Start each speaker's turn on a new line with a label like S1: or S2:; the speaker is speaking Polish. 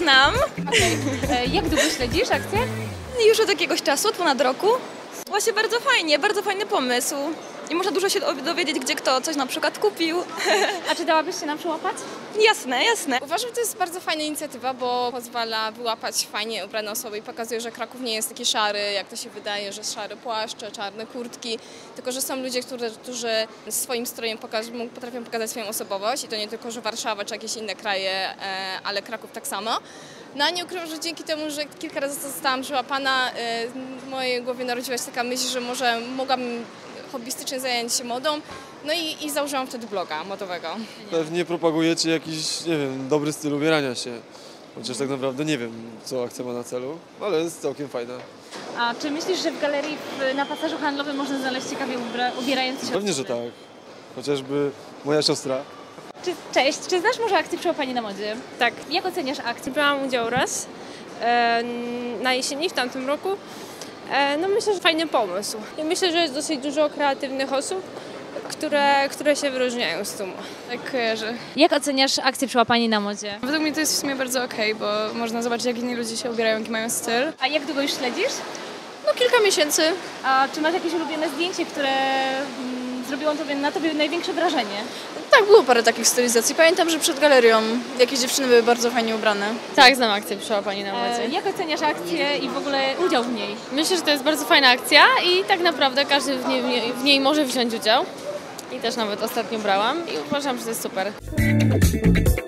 S1: znam.
S2: Jak długo śledzisz akcję?
S1: Już od jakiegoś czasu, od ponad roku. Właśnie bardzo fajny pomysł. I można dużo się dowiedzieć, gdzie kto coś na przykład kupił.
S2: A czy dałabyś się nam przyłapać?
S1: Jasne, jasne.
S3: Uważam, że to jest bardzo fajna inicjatywa, bo pozwala wyłapać fajnie ubrane osoby i pokazuje, że Kraków nie jest taki szary, jak to się wydaje, że szare płaszcze, czarne kurtki, tylko że są ludzie, którzy swoim strojem potrafią pokazać swoją osobowość i to nie tylko, że Warszawa czy jakieś inne kraje, ale Kraków tak samo. No a nie ukrywam, że dzięki temu, że kilka razy zostałam przyłapana, w mojej głowie narodziła się taka myśl, że może mogłabym hobbystycznie zająć się modą, no i założyłam wtedy bloga modowego.
S4: Pewnie propagujecie jakiś, nie wiem, dobry styl ubierania się, chociaż tak naprawdę nie wiem, co akcja ma na celu, ale jest całkiem fajna.
S2: A czy myślisz, że w galerii na pasażu handlowym można znaleźć ciekawie ubierające się?
S4: Pewnie, że tak. Chociażby moja siostra.
S2: Cześć, czy znasz może akcję Przyłapani na modzie?
S5: Tak.
S2: Jak oceniasz akcję?
S5: Brałam udział raz na jesieni w tamtym roku. No myślę, że fajny pomysł. I myślę, że jest dosyć dużo kreatywnych osób, które się wyróżniają z tłumu.
S6: Tak kojarzę.
S2: Jak oceniasz akcję Przyłapani na modzie?
S6: Według mnie to jest w sumie bardzo okej, bo można zobaczyć, jak inni ludzie się ubierają, jaki mają styl.
S2: A jak długo już śledzisz?
S6: No kilka miesięcy.
S2: A czy masz jakieś ulubione zdjęcie, które zrobiło na tobie największe wrażenie?
S6: Tak, było parę takich stylizacji. Pamiętam, że przed galerią jakieś dziewczyny były bardzo fajnie ubrane.
S5: Tak, znam akcję Przyłapani na modzie.
S2: Jak oceniasz akcję i w ogóle udział w niej?
S5: Myślę, że to jest bardzo fajna akcja i tak naprawdę każdy w niej może wziąć udział. I też nawet ostatnio brałam i uważam, że to jest super.